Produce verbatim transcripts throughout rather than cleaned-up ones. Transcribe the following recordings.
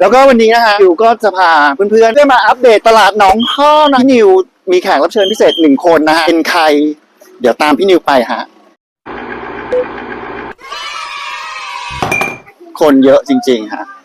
แล้วก็วันนี้นะฮะนิวก็จะพาเพื่อนๆได้มาอัปเดตตลาดหนองข้อนะพี่นิวมีแขกรับเชิญพิเศษหนึ่งคนนะฮะเป็นใครเดี๋ยวตามพี่นิวไปฮะคนเยอะจริงๆฮะ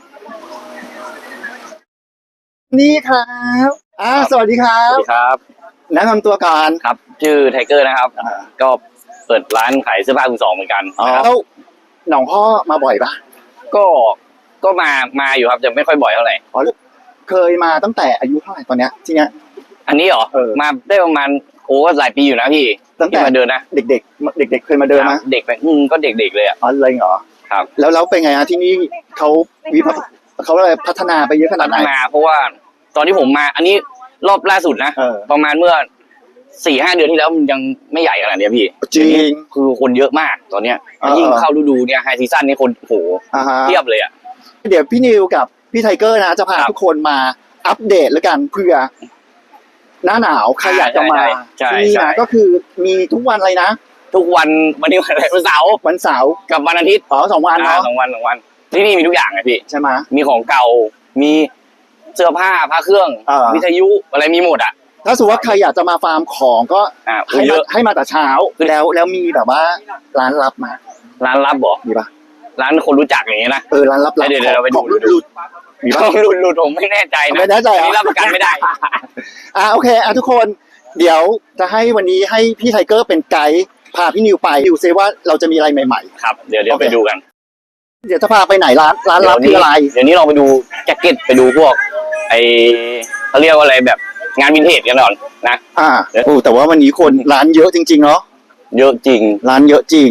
นี่ครับอ่าสวัสดีครัสวับสดีครับแนะนำตัวก่อนครับชื่อไทเกอร์นะครับก็เปิดร้านขายเสื้อผ้ามือสองเหมือนกันอ๋อแล้วหนองข้อมาบ่อยปะก็ก็มามาอยู่ครับจะไม่ค่อยบ่อยเท่าไหร่อ๋อเคยมาตั้งแต่อายุเท่าไหร่ตอนเนี้ยที่เนี้ยอันนี้เหรอเออมาได้ประมาณโอ้ก็หลายปีอยู่นะพี่ตั้งแต่ที่มาเดินนะเด็กๆเด็กๆเคยมาเดินไหมเด็กไปอืมก็เด็กๆเลยอ่ะอ๋อเลยเหรอครับแล้วแล้วเป็นไงฮะที่นี่เขาวิพัฒน์เขาอะไรพัฒนาไปเยอะขนาพัดไหฒนนาเพราะว่าตอนที่ผมมา อันนี้รอบล่าสุดนะเออประมาณเมื่อสี่ห้าเดือนที่แล้วมันยังไม่ใหญ่ขนาดเนี้ยพี่จริงคือคนเยอะมากตอนเนี้ยเออยิ่งเข้าฤดูเนี่ยไฮซีซั่นนี่คนโอ้โหอ่าฮะเทียบเลยอ่ะเดี๋ยวพี่นิวกับพี่ไทเกอร์นะจะพาครับทุกคนมาอัปเดตแล้วกันเพื่อหน้าหนาวใครอยากจะมาใช่ที่นี่ใช่นะก็คือมีทุกวันอะไรนะทุกวันวันนี้วันอะไรวันเสาร์วันเสาร์กับวันอาทิตย์อ๋อสองวันอ่าเนาะสองวันสองวันที่นี่มีทุกอย่างไงพี่ใช่ไหมมีของเก่า มีเสื้อผ้าผ้าเครื่องเออวิทยุอะไรมีหมดอ่ะถ้าสมมติว่าใครอยากจะมาฟาร์มของก็อ่าให้เยมาอะให้มาแต่เช้าแล้วแล้วมีแบบว่าร้านลับมาร้านลับบอกมีปะร้านคนรู้จักอย่างเงี้ยนะเออร้านลับๆเดี๋ยวเดี๋ยวเราไปดูของหลุดๆมีปะหลุดหลุดผมไม่แน่ใจนะไม่แน่ใจเหรออันนี้รับประกันไม่ได้อ่ะโอเคอ่ะทุกคนเดี๋ยวจะให้วันนี้ให้พี่ไทเกอร์เป็นไกด์พาพี่นิวไปดูซิว่าเราจะมีอะไรใหม่ครับเดี๋ยวเดี๋ยวโอเคไปดูกันๆ เดี๋ยวจะพาไปไหนร้านร้านลับเดี๋คืยวอนี้อะไรเดี๋ยวนี้เราไปดูแจ็คเก็ตไปดูพวกไอเขาเรียกว่าอะไรแบบงานวินเทจกันก่อนนะอ่าโอ้แต่ว่าวันนี้คนร้านเยอะจริงๆเนาะเยอะจริงร้านเยอะจริง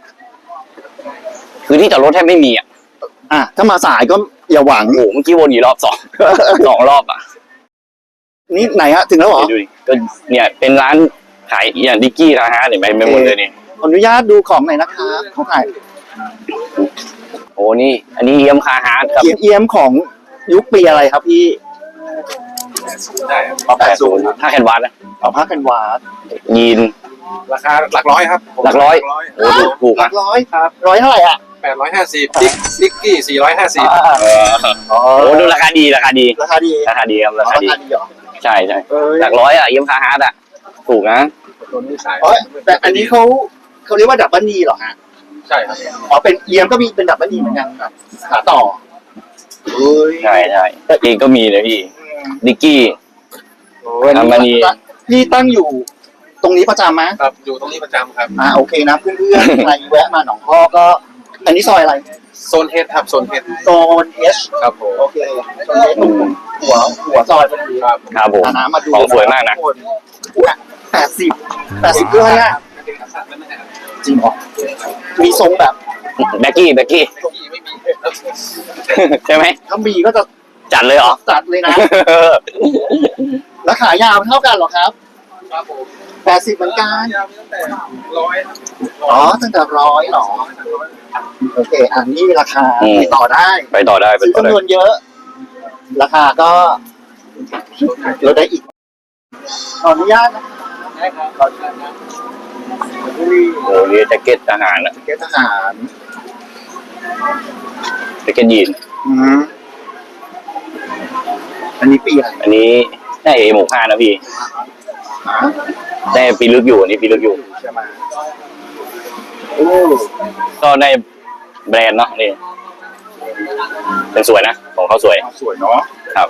คือที่จอดรถแทบไม่มีอ่ะอ่ะถ้ามาสายก็อย่าหวังโอ้โหเมื่อกี้วนอยู่รอบสอง สองรอบอ่ะนี่ไหนฮะถึงแล้วเหรอดูดิก็เนี่ยเป็นร้านขายอย่างดิกกี้นะฮะเห็นไหมไม่หมดเลยนี่ขออนุญาตดูของหน่อยนะครับเขาขายโอ้นี่ อันนี้เยี่ยมคาฮาร์ดครับเอียมเอียมของยุคปีอะไรครับพี่อ๋อแปดศูนย์ถ้าแคนวาสนะอ๋อผ้ากันวาดยีนราคาหลักร้อยครับหลักร้อย โอ้ถูกถูกหลัอ่ะกร้อยครับร้อยเท่าไหร่อ่ะแปดร้อยห้าสิบดิกดิกกี้สี่ร้อยห้าสิบอ่าเอออ๋อโอ้ดูราคาดีราคาดีราคาดีราคาดีครับอ๋อราคาราดีคาดีเหรอใช่ใช่เอ้ยหลักร้อยอ่ะเยี่ยมคาฮาร์ดอ่ะถูกนะตัวนี้สายอ๋อแต่อันนี้เขาเขาเรียกว่าดับเบิลนีเหรอฮะใช่ครับอ๋อเป็นเอียมก็มีเป็นดับเบิลนีเหมือนกันครับขาต่อเฮ้ยใช่ใช่เองก็มีเลยพี่ดิกกี้โอ้ยดับเบิลนีพี่ตั้งอยู่ตรงนี้ประจำไหมครับอยู่ตรงนี้ประจำครับอ่าโอเคนะเพื่อนๆใครแวะมาหนองพ่อก็ อันนี้ซอยอะไรโซนเฮดครับโซนเฮดโซนเอชครับผมโอเคโซนเอชตรงหัวหัวซอยพอดีครับครับผมอ่านะมาดูของสวยมากนะแปดสิบแปดสิบเพื่อนน่ะจริงเหรอมีทรงแบบแบ็กกี้แบ็กกี้ที่ไม่มีใช่ไหมถ้ามีก็จะจัดเลยเหรอจัดเลยนะ แล้วขายาวเท่ากันเหรอครับครับผมแปดสิบเหมือนกันยาวตั้งแต่ร้อยอ๋อตั้งแต่ร้อยเหรอโอเคอันนี้ราคาอืมไปต่อได้ไปต่อได้ไปซื้อต่อได้จำนวนเยอะ ราคาก็ลดได้อีกขออนุญาตนะได้ครับอุ้ยโอ้โหนี่แจ็คเก็ตทหารอะเกณฑ์ทหารแจ็คเก็ตยีนอืมอันนี้ปีอะไรอันนี้ได้เอหมกห้านะพี่ฮะได้ปีลึกอยู่อันนี้ปีลึกอยู่ใช่ไหมโอ้ก็ได้แบรนด์เนาะนี่เป็นสวยนะของเขาสวยสวยเนาะครับ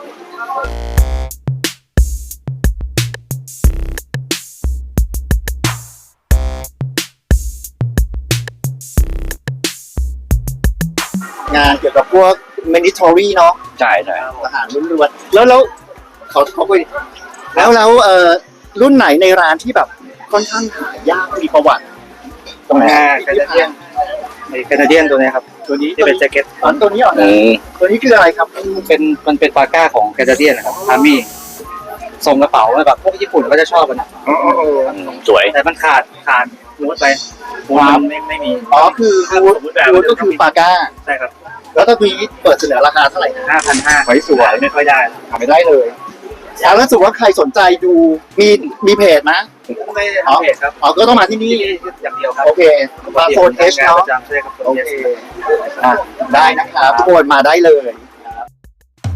งานเกี่ยวกับพวก military เนาะใช่ใช่ทหารล้วนๆแล้วแล้วเขาเขาไปแล้วแล้วเอ่อรุ่นไหนในร้านที่แบบค่อนข้างหายากมีประวัติตรงไหนแคนาเดียนไอ้แคนาเดียนตัวนี้ครับ ตัวนี้ที่เป็นแจ็คเก็ตอ๋อตัวนี้เหรออืมตัวนี้คืออะไรครับเป็นมันเป็นปาก้าของแคนาเดียนนะครับอาร์มี่ส่งกระเป๋าแบบพวกญี่ปุ่นก็จะชอบกันนะอ๋ออ๋ออ๋ออืมสวยแต่มันขาดขาดมูดไปมูดมันไม่ไม่มีอ๋อคือรูดรูดก็คือปาก้าใช่ครับแล้วตัวนี้เปิดเสนอราคาเท่าไหร่นะห้าพันห้าไว้สวยไม่ค่อยได้หาไม่ได้เลยแล้วถ้าสมมติว่าใครสนใจดูมีมีเพจไหมไม่ได้อ๋อทำเพจครับอ๋อก็ต้องมาที่นี่ที่อย่างเดียวครับโอเคมาโฟนเอชเนาะประจำใช่ครับโอเคอ่ะได้นะครับทุกคนมาได้เลย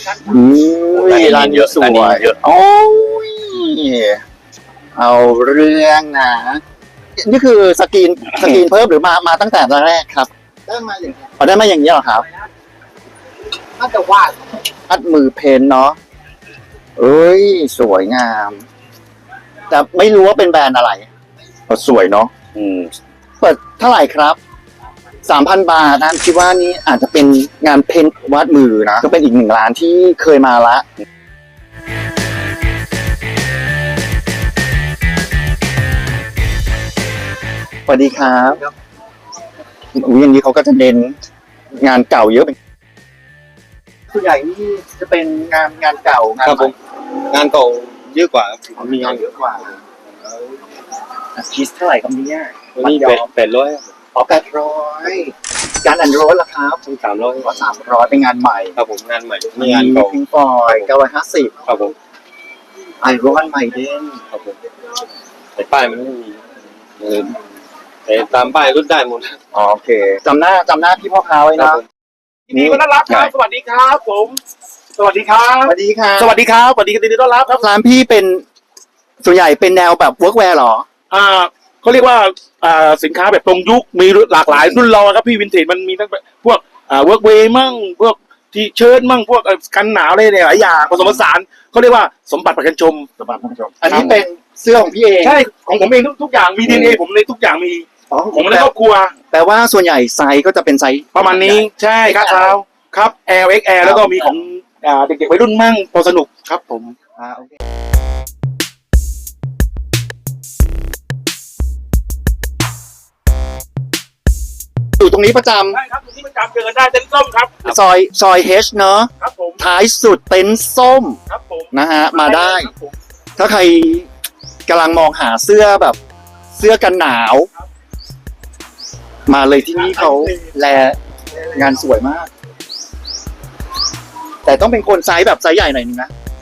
อืมร้านนี้ร้านเยนี้อะสวร้านนี้ยเยอะโอ้ยเอาเรื่องนะนี่คือสกรีนสกรีนเพิ่มหรือมามาตั้งแต่แรกครับได้มาอย่างนี้พอได้มาอย่างนี้เหรอครับน่าจะวาดอัดมือเพนเนาะเอ้ย สวยงาม แต่ไม่รู้ว่าเป็นแบรนด์อะไรเออสวยเนาะอืมเปิดเท่าไหร่ครับสามพันบาทนะคิดว่านี่อาจจะเป็นงานเพ้นท์วาดมือนะก็เป็นอีกหนึ่งร้านที่เคยมาละสวัสดีครับอุ้ยอย่างนี้เขาก็จะเน้นงานเก่าเยอะเป็นส่วนใหญ่นี่จะเป็นงานงานเก่างานครับใหผม งานเก่าเยอะกว่าครับมีงานเยอะกว่าคิสเท่าไหร่ครับเนี่ยวันนี้แปดแปดร้อยอ๋อแปดร้อยการอันโรสล่ะครับสามร้อยก็สามร้อยเป็นงานใหม่ครับผมงานใหม่นี่งานเก่าพิงฟอยเก้าร้อยห้าสิบครับผมไอรอนไมเดนครับผมแต่ป้ายมันไม่มีเออแต่ตามป้ายรุ่นได้หมดอ๋อโอเคจำหน้าจำหน้าพี่พ่อค้าไว้ครันะบผมยินดีต้อนรับครับ สวัสดีครับผม สวัสดีครัสบวัสดีค่ะสวัสดีครับ สวัสดีกันดีต้อนรับครับร้านพี่เป็นส่วนใหญ่เป็นแนวแบบเวิร์กแวร์หรออ่าเขาเรียกว่าอ่าสินค้าแบบตรงยุค มีหลากหลายรุ่นเราครับพี่วินเทจมันมีทั้งพวกอ่าเวิร์กเวย์มั่ง พวกทีเชิ้ตมั่ง พวกเอ่อกันหนาวอะไรหลายอย่างผสมผสานเขาเรียกว่าสมบัติประกันชมสวัสดีคุณผู้ชมอันนี้เป็นเสื้อของพี่เองใช่ ของผมเองทุกทุกอย่าง มีดีเอ็นเอผมในทุกอย่างมีอ๋อผมในครอบครัวแปลว่าส่วนใหญ่ไซส์ก็จะเป็นไซส์ประมาณนี้ ใช่ครับเท้าครับ L เอ็กซ์ แอล แล้วก็มีของอ่าเด็กๆวัยรุ่นมั่งพอสนุกครับผมอ่าโอเคอยู่ตรงนี้ประจได้ครับตรงนี้ประจำเจอกันได้เต็นท์ส้มครับำซอยซอยเฮชเนอะครับผมท้ายสุดเต็นท์ส้มครับผมนะฮะ มาได้ครับผมถ้าใครกำลังมองหาเสื้อแบบเสื้อกันหนาว มาเลยที่นี่เขาแลงานสวยมาก แต่ต้องเป็นคนไซส์แบบไซส์ใหญ่หน่อยนึงนะ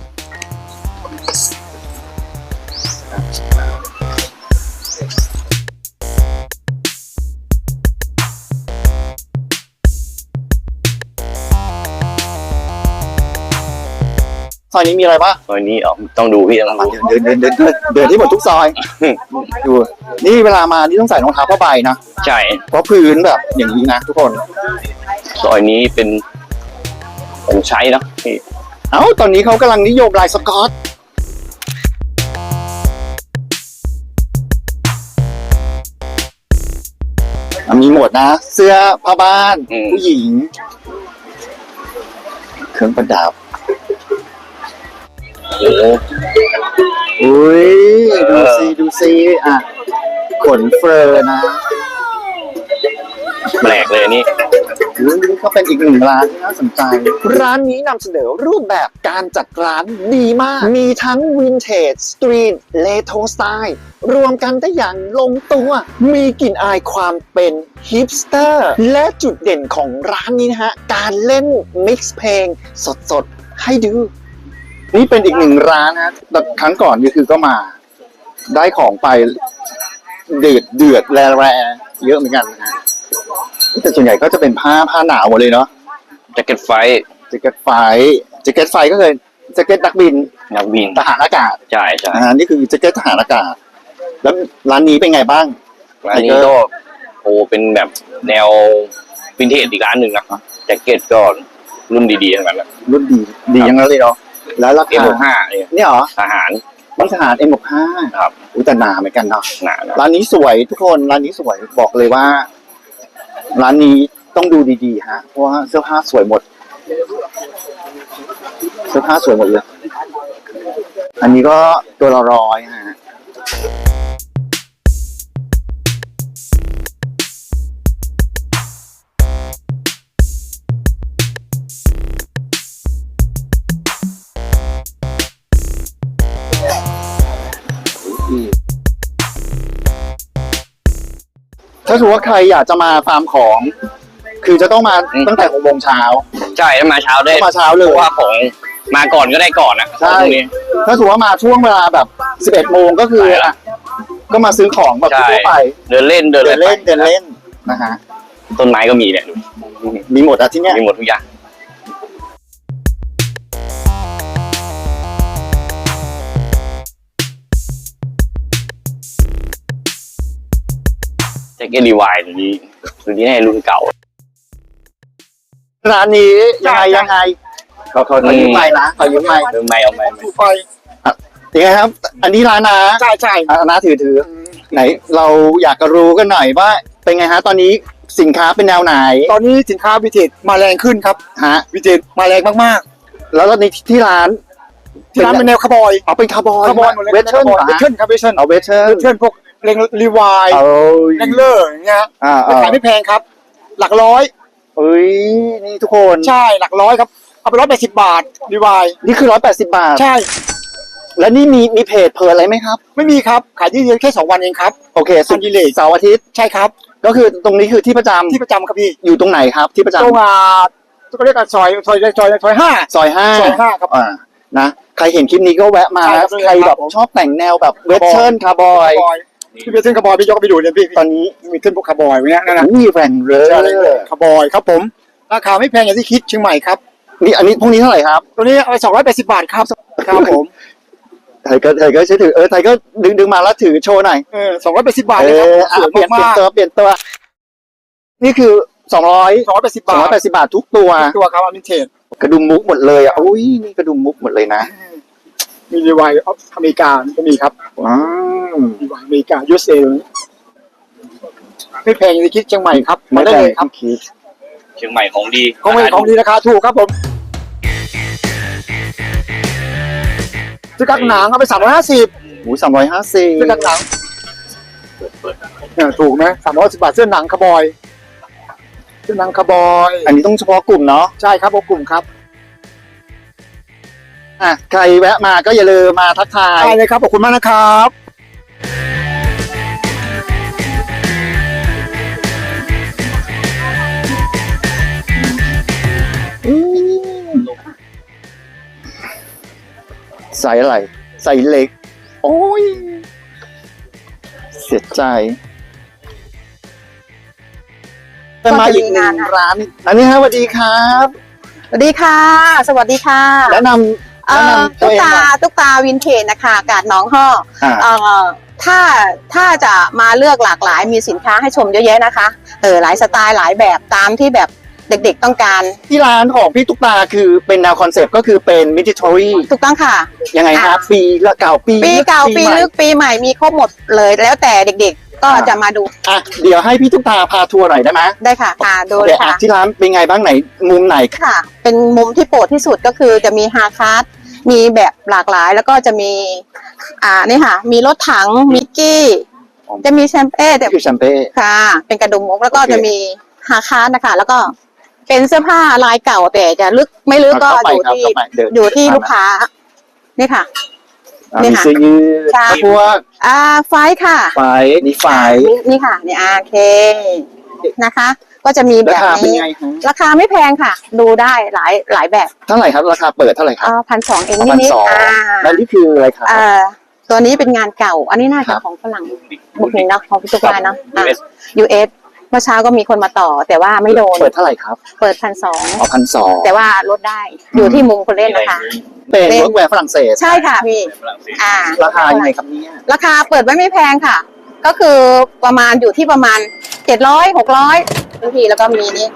ซอยนี้มีอะไรบ้างตอนนี้อ๋อต้องดูพี่ต้องดูเดินเดินเดินเดินเดินที่หมดทุกซอย ดู นี่เวลามานี่ต้องใส่รองเท้าผ้าใบนะใช่เพราะพื้นแบบอย่างนี้นะทุกคนซอยนี้เป็นเป็นใช้เนอะพี่เอ้า ตอนนี้เขากำลังนิยมลายสกอต มีหมดนะ เสื้อผ้าบ้าน ผู้หญิง เครื่องประดับโอ้โหอุ้ย ดูซิดูซิอ่ะ ขนเฟอร์นะแปลกเลยอันนี่อุ๊ยนี่ก็เป็นอีกหนึ่งร้านที่น่าสนใจ ร้านนี้นำเสนอรูปแบบการจัดร้านดีมาก มีทั้งวินเทจ สตรีท เลโทรสไตล์ รวมกันได้อย่างลงตัว มีกลิ่นอายความเป็นฮิปสเตอร์ และจุดเด่นของร้านนี้นะฮะ การเล่นมิกซ์เพลงสดๆ ให้ดู นี่เป็นอีกหนึ่งร้านนะแต่ครั้งก่อนก็คือก็มา ได้ของไปเดือดเดือดแร่ๆเยอะเหมือนกันนะฮะ แต่ส่วนใหญ่ก็จะเป็นผ้าผ้าหนาวหมดเลยเนาะแจ็คเก็ตไฟแจ็คเก็ตไฟแจ็คเก็ตไฟก็คือแจ็คเก็ตนักบินนักบินทหารอากาศใช่ใช่นะฮะนี่คือแจ็คเก็ตทหารอากาศ แล้วร้านนี้เป็นไงบ้างร้านนี้ก็โอ้เป็นแบบแนววินเทจอีกร้านหนึ่งนะแจ็คเก็ตก็รุ่นดีๆทั้งนั้นแหละรุ่นดีดียังนั้นเลยเนาะแล้วราเอ็มคาหกห้าเนี่ยเนี่ยเหรอทหารนี่ทหาร เอ็ม หกห้าครับอุ้ยแต่หนาเหมือนกันเนาะหนานะร้านนี้สวยทุกคนร้านนี้สวยบอกเลยว่า ร้านนี้ต้องดูดีๆฮะเพราะว่าเสื้อผ้าสวยหมด เสื้อผ้าสวยหมดเลย อันนี้ก็ตัวละร้อยฮะถ้าสมมติว่าใครอยากจะมาฟาร์มของ คือจะต้องมาตั้งแต่หกโมงเช้าใช่ถ้ามาเช้าได้ต้องมาเช้าเลยเพราะว่าของมาก่อนก็ได้ก่อนนะใช่พวกนี้ถ้าสมมติว่ามาช่วงเวลาแบบสิบเอ็ดโมงก็คือใช่ละอ่ะก็มาซื้อของแบบใช่ทั่วไปเดินเล่นเดินเดินเล่นไปเดินเล่นนะฮะต้นไม้ก็มีเนี่ยดูมีหมดอะที่เนี้ยมีหมดทุกอย่างแจ็คเก็ตรีวายตัวนี้ตัวนี้ให้รุ่นเก่าร้านนี้ยังไงยังไงขอขอขอยืมไมค์นะขอยืมไมค์เออไม่เอาไม่ไม่ไฟยังไงครับ อันนี้ร้านนะใช่ใช่อ่ะนะถือถือไหนเราอยากจะรู้กันหน่อยว่า เป็นไงฮะตอนนี้สินค้าเป็นแนวไหนตอนนี้สินค้าวิเทจมาแรงขึ้นครับฮะวิเทจมาแรงมากแล้วในที่ร้านๆที่ร้านเป็นแนวคาร์บอยเอาเป็นคาร์บอยคาร์บอยหมดเลยเวทเทิร์นเหรอเวทฮะเทิร์นครับเวทเทิร์นเอาเวทเทิร์นเวทเทิร์นพวกเร่งรีวายเอาเร่งเลอร์อย่างเงี้ยอ่าราคาไม่แพงครับ หลักร้อยเอ้ยนี่ทุกคนใช่หลักร้อยครับเอาไปร้อยแปดสิบบาทรีวายนี่คือร้อยแปดสิบบาทใช่แล้วนี่มีมีเพจเพจอะไรไหมครับไม่มีครับขายที่เดียวแค่สองวันเองครับโอเคสุอันดิเลกเสาร์อาทิตย์ใช่ครับก็คือตรงนี้คือที่ประจำที่ประจำครับพี่อยู่ตรงไหนครับที่ประจำตรงอ่าก็เรียกกันซอยซอยซอยซอยห้าซอยห้าซอยห้าครับอ่านะใครเห็นคลิปนี้ก็แวะมาใช่ครันะบใครแบบครับผมชอบแต่งแนวแบบเวทเทิร์นคาร์บอยคาร์บอยพี่เวทเทิร์นคาร์บอยพี่ยกไปดูเลยพี่ตอนนี้มีเทิร์นพวกคาร์บอยไว้เนี่ยนั่นนะอุ้ยแรงเลใช่ยคาร์บอยครับผมราคาไม่แพงอย่างที่คิดเชียงใหม่ครับนี่อันนี้พวกนี้เท่าไหร่ครับตัวนี้เอาไปสองร้อยแปดสิบบาทครับครับผมไทยก็ไทยก็ใช้ถือเออไทยก็ดึงดึงมาแล้วถือโชว์หน่อยเออสองร้อยแปดสิบบาทเอเลยครับอสอ่ะวยเปลี่ยนเปลี่ยนมากตัวเปลี่ยนตัว นี่คือสองร้อยสองร้อยแปดสิบสองบาร้อยทแปดสิบบาททุกตัวตัวครับอมิเทจกระดุมมุกหมดเลยอ่ะอุ้ยนี่กระดุมมุกหมดเลยนะมีรีไวล์อเมริกาก็มีครับว้าวรีไวล์อเมริกา ยู เอส เอ ไม่แพงอย่างที่คิดเชียงใหม่ครับมาไม่ได้ได้เลยครับคิดเชียงใหม่ของดีของเป็นของดีราคาถูกครับผมซื้อกักหนังเอาไปสามร้อยห้าสิบหูสามร้อยห้าสิบซื้อกักหนังเนี่ยถูกไหมสามร้อยสิบบาทเสื้อหนังคาร์บอยเสื้อหนังคาร์บอยอันนี้ต้องเฉพาะกลุ่มเนาะใช่ครับผมกลุ่มครับอ่ะใครแวะมาก็อย่าลืมมาทักทายได้เลยครับขอบคุณมากนะครับอืมใส่อะไร ใส่เหล็ก โอ้ย เสียใจจะมาอีกหนึ่งร้าน อันนี้ฮะสวัสดีครับสวัสดีค่ะ สวัสดีค่ะแนะนำเอ่แนะอนำตัตุ๊วกเองตาหน่อยตุ๊กตาวินเทจนะคะกาดหน้องห่ออ่าเอ่อถ้าถ้าจะมาเลือกหลากหลายมีสินค้าให้ชมเยอะแยะนะคะเออหลายสไตล์หลายแบบตามที่แบบเด็กๆต้องการที่ร้านของพี่ตุ๊กตาคือเป็นแนวคอนเซปต์ก็คือเป็นมิจิทอรี่ถูกต้องค่ะยังไงครับ ปีละเก่าปีปีเก่าปีใหม่ลึกปีใหม่มีครบหมดเลยแล้วแต่เด็กๆก็อ่าจะมาดูอ่ะเดี๋ยวให้พี่ตุ๊กตาพาทัวร์หน่อยได้ไหมได้ค่ะค่ะดูโอเลเคยค่ะอ่ะที่ร้านเป็นไงบ้างไหนมุมไหนค่ะ เป็นมุมที่โปรดที่สุดก็คือจะมีฮาคาร์ดมีแบบหลากหลายแล้วก็จะมีอ่านี่ค่ะ มีรถถังมิกกี้จะมีแชมเป้แต่นี่คือแชมเป้ค่ะ เป็นกระดุมมุกแล้วก็โอเคจะมีฮาคาร์ดนะคะ แล้วก็เป็นเสื้อผ้าลายเก่าแต่จะลึกไม่ลึกก็เข้าไปอยู่ครับที่เข้าไปเดินอยู่ที่ลูกค้า นี่ค่ะอ่ะนี่มีค่ะเสื้อยืดใช่พวกอ่าไฟท์ค่ะไฟนี่ไฟนี่นี่ค่ะนี่อาเคนะคะ ก็จะมีแบราบคาเป็นนี้ไงฮะราคาไม่แพงค่ะ ดูได้หลายหลายแบบเท่าไหร่ครับราคาเปิดเท่าไหร่ครับพันสองเองพันนิดสองๆอ่าแล้วนี่คืออะไรครับเอ่อตัวนี้เป็นงานเก่า อันนี้น่าครัจะบของฝรั่งบุกนินเนาะของพิจุกายเนาะยูเอสยูเอสเมื่อเช้าก็มีคนมาต่อ แต่ว่าไม่โดนเปิดเท่าไหร่ครับเปิดพันสองอ๋อพันสองแต่ว่าลดได้อยู่ที่มุมคนเล่นนะคะเป็นเป็นเวิร์กแวร์ฝรั่งเศสใช่ค่ะพี่ฝรั่งเศสอ่าราคายังไงครับเนี่ยราคาเปิดไว้ไม่แพงค่ะ ก็คือประมาณอยู่ที่ประมาณเจ็ดร้อยหกร้อยบางทีแล้วก็มีนี่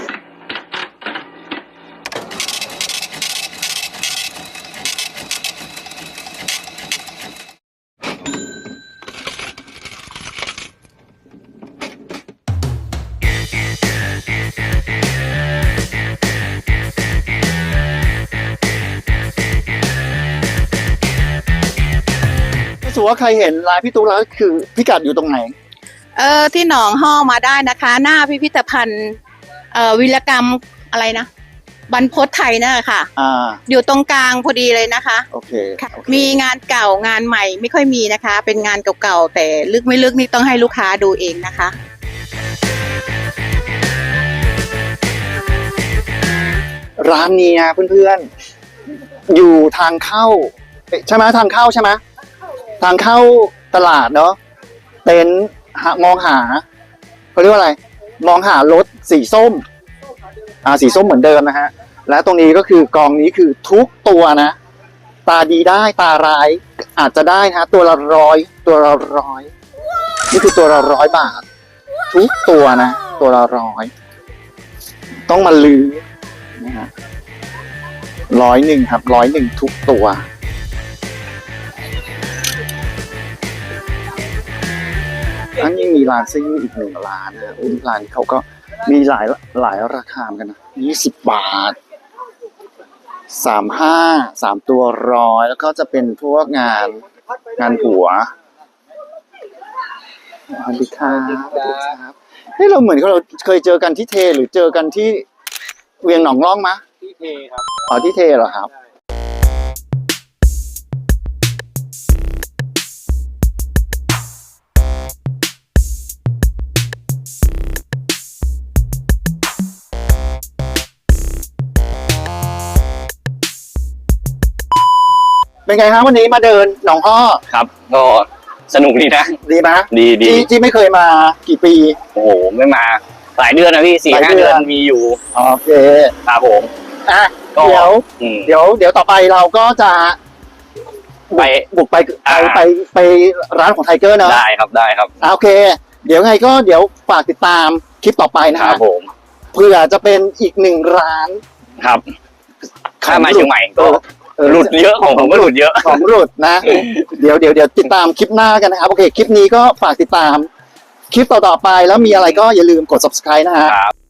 ถ้าสมมติว่าใครเห็นร้านพี่ตุ๊กแล้วคือพิกัดอยู่ตรงไหนเออที่หนองห่อมาได้นะคะ หน้าพิพิธภัณฑ์เอ่อวิรกรรมอะไรนะบรรพตไทยน่ะค่ะอ่าอยู่ตรงกลางพอดีเลยนะคะโอเคค่ะโอเคมีงานเก่างานใหม่ไม่ค่อยมีนะคะ เป็นงานเก่าๆแต่ลึกไม่ลึกนี่ต้องให้ลูกค้าดูเองนะคะร้านนี้นะเพื่อนๆ อยู่ทางเข้าเอ๊ะใช่ไหมทางเข้าใช่ไหมทางเข้าตลาดเนาะเต็นท์หามองหาเขาเรียกว่าอะไร มองหารถสีส้ม อ่าสีส้มเหมือนเดิมนะฮะ และตรงนี้ก็คือกองนี้คือทุกตัวนะ ตาดีได้ตาร้ายอาจจะได้นะฮะตัวละร้อยตัวละร้อยนี่คือตัวละร้อยบาททุกตัวนะ ตัวละร้อยต้องมาลือนะฮะร้อยหนึ่งครับร้อยหนึ่งทุกตัวทั้งยังมีร้านซึ่งอีกหนึ่งร้านนะอุ้ยร้านเขาก็มีหลายหลายราคาเหมือนกันนะยี่สิบบาทสามห้าสามตัวร้อยแล้วก็จะเป็นพวกงานงานหัวสวัสดีครับสวัสดีครับเฮ้ยเราเหมือนเราเคยเจอกันที่เทหรือเจอกันที่เวียงหนองร่องมะที่เทครับอ๋อที่เทเหรอครับเป็นไงครับวันนี้มาเดินหนองอ้อครับ ก็สนุกดีนะดีไหมดีดีที่ที่ไม่เคยมากี่ปีโอ้โหไม่มาหลายเดือนนะพี่สี่หลายห้าเดืเดืออน นมีอยู่โอเคครับผมอ่ะก็เดี๋ยวอืมเดี๋ยวเดี๋ยวต่อไปเราก็จะไปบุกไปไปอ่าไปไปร้านของไทเกอร์เนอะได้ครับได้ครับอ่ะโอเค เดี๋ยวไงก็เดี๋ยวฝากติดตามคลิปต่อไปนะคฮะรับผมเพื่อจะเป็นอีกหนึ่งร้านครับถ้ามาเชียงใหม่ก็เออหลุดเยอะของผมก็หลุดเยอะของหลุดนะ เดี๋ยวเดี๋ยวเดี๋ยวติดตามคลิปหน้ากันนะครับ โอเค คลิปนี้ก็ฝากติดตามคลิปต่อๆไปแล้วมีอะไรก็อย่าลืมกด subscribe นะฮะครับ